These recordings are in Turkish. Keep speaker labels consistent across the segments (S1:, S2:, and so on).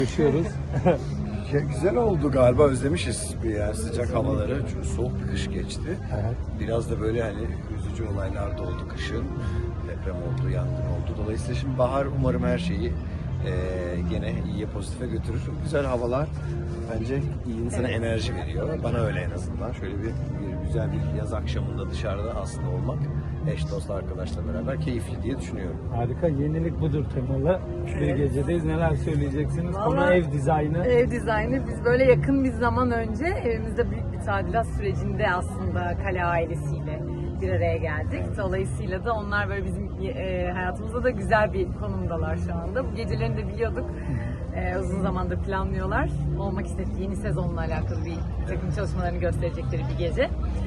S1: Yaşıyoruz.
S2: Ya güzel oldu galiba, özlemişiz yani sıcak havaları. Çünkü soğuk bir kış geçti.
S1: Evet.
S2: Biraz da böyle hani üzücü olaylar da oldu kışın. Deprem oldu, yangın oldu. Dolayısıyla şimdi bahar umarım her şeyi gene iyiye, pozitife götürür. Güzel havalar bence iyi insana enerji veriyor. Bana öyle en azından. Şöyle bir güzel bir yaz akşamında dışarıda aslında olmak, eş dost arkadaşla beraber keyifli diye düşünüyorum.
S1: Harika. Yenilik budur temalı. Bir
S3: Evet.
S1: gecedeyiz. Neler söyleyeceksiniz? Konu
S3: Vallahi
S1: ev dizaynı.
S3: Ev dizaynı. Biz böyle yakın bir zaman önce evimizde büyük bir tadilat sürecinde aslında Kale ailesiyle bir araya geldik. Dolayısıyla da onlar böyle bizim hayatımızda da güzel bir konumdalar şu anda. Bu gecelerini de biliyorduk. Uzun zamandır planlıyorlar. Olmak istediği yeni sezonla alakalı bir takım çalışmalarını gösterecekleri bir gece.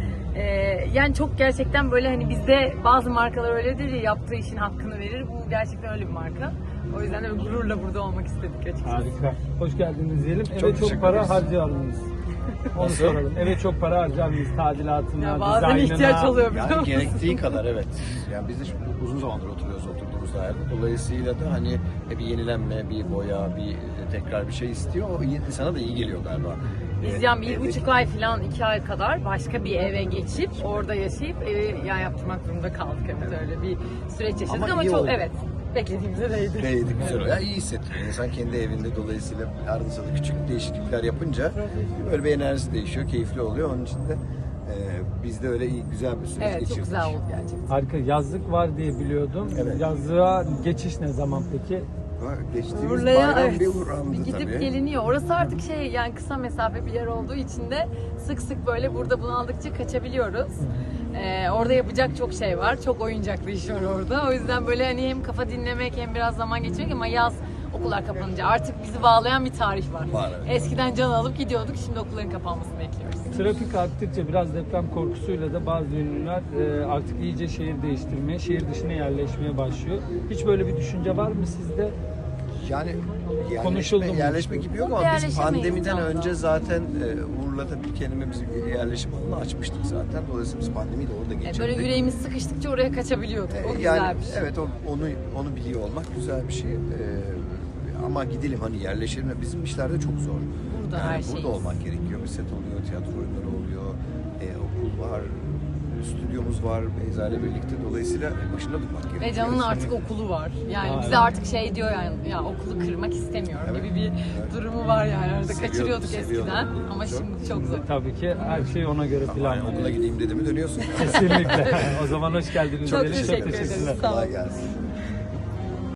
S3: Yani çok gerçekten böyle hani bizde bazı markalar öyledir ya, yaptığı işin hakkını verir. Bu gerçekten öyle bir marka. O yüzden de gururla burada olmak istedik açıkçası.
S1: Harika. Hoş geldiniz diyelim. Eve
S2: Çok
S1: çok
S2: teşekkür
S1: para
S2: ederiz.
S1: harcar mıyız? Onu
S2: Nasıl?
S1: soralım. Eve çok para harcar mıyız? Tadilatına,
S3: Ya bazen
S1: dizaynına.
S3: ihtiyaç oluyor biliyor
S2: Yani
S3: musun?
S2: gerektiği kadar, evet. Yani biz de şimdi uzun zamandır oturuyoruz oturduğumuz dairede. Dolayısıyla da hani bir yenilenme, bir boya, bir tekrar bir şey istiyor. O insana da iyi geliyor galiba.
S3: Biz yani
S2: Evdeki-
S3: 1,5 ay falan 2 ay kadar başka bir eve geçip orada yaşayıp evi yani yaptırmak durumunda kaldık. Evet, öyle bir süreç yaşadık
S2: Ama
S3: ama
S2: iyi
S3: çok
S2: oldu.
S3: evet beklediğimize değdi.
S2: Değdi, güzel oluyor. Yani iyi hissettiriyor. İnsan kendi evinde, dolayısıyla arada sırada küçük değişiklikler yapınca böyle bir enerjisi değişiyor, keyifli oluyor. Onun için de biz de öyle iyi, güzel bir süreç
S3: Evet, çok
S2: geçirdik.
S3: güzel oldu gerçekten.
S1: Harika. Yazlık var diye biliyordum.
S2: Evet.
S1: Yazlığa geçiş ne zaman peki?
S2: Geçtiğimiz
S3: Urla'ya
S2: bayram
S3: evet,
S2: bir uğrandı
S3: bir gidip
S2: tabii.
S3: geliniyor. Orası artık şey yani kısa mesafe bir yer olduğu için de sık sık böyle burada bunaldıkça kaçabiliyoruz. Orada yapacak çok şey var. Çok oyuncaklı iş var orada. O yüzden böyle hani hem kafa dinlemek hem biraz zaman geçirmek ama yaz okullar kapanınca artık bizi bağlayan bir tarih var.
S2: Var, evet.
S3: Eskiden can alıp gidiyorduk. Şimdi okulların kapanmasını bekliyoruz.
S1: Trafik arttıkça biraz deprem korkusuyla da bazı ünlüler artık iyice şehir değiştirmeye, şehir dışına yerleşmeye başlıyor. Hiç böyle bir düşünce var mı sizde?
S2: Yani
S1: Konuşuldu mu?
S2: yerleşme gibi yok
S3: Çok
S2: ama biz
S3: yerleşemeyiz
S2: pandemiden
S3: Can'da.
S2: önce zaten Urla'da bir kendime bir yerleşim alanı açmıştık zaten. Dolayısıyla biz pandemiyi de orada geçirdik.
S3: Böyle yüreğimiz sıkıştıkça oraya kaçabiliyorduk. O güzel
S2: Yani
S3: bir şey.
S2: evet, onu biliyor olmak güzel bir şey. Ama gidelim hani yerleşelim. Bizim işlerde çok zor.
S3: Burada
S2: yani
S3: her
S2: burada
S3: şeyiz.
S2: olmak gerekiyor. Bir set oluyor, tiyatro oyunları oluyor, okul var, stüdyomuz var Beyza ile birlikte. Dolayısıyla başında durmak gerekiyor.
S3: Ve Can'ın artık okulu var. Yani
S1: Aa,
S3: bize
S1: evet.
S3: artık şey diyor yani ya okulu kırmak istemiyorum
S2: Evet.
S3: gibi bir durumu var yani. Arada kaçırıyorduk
S2: Seviyordu
S3: eskiden
S2: okulu
S3: ama
S2: çok.
S3: şimdi çok zor.
S1: Tabii ki her şey ona göre
S2: Yani
S1: planlanıyor.
S2: okula gideyim dedi mi dönüyorsun.
S1: Kesinlikle. O zaman hoş geldiniz.
S3: Çok
S1: diyelim.
S3: teşekkür ederiz. Sağ olun.
S2: Kolay gelsin.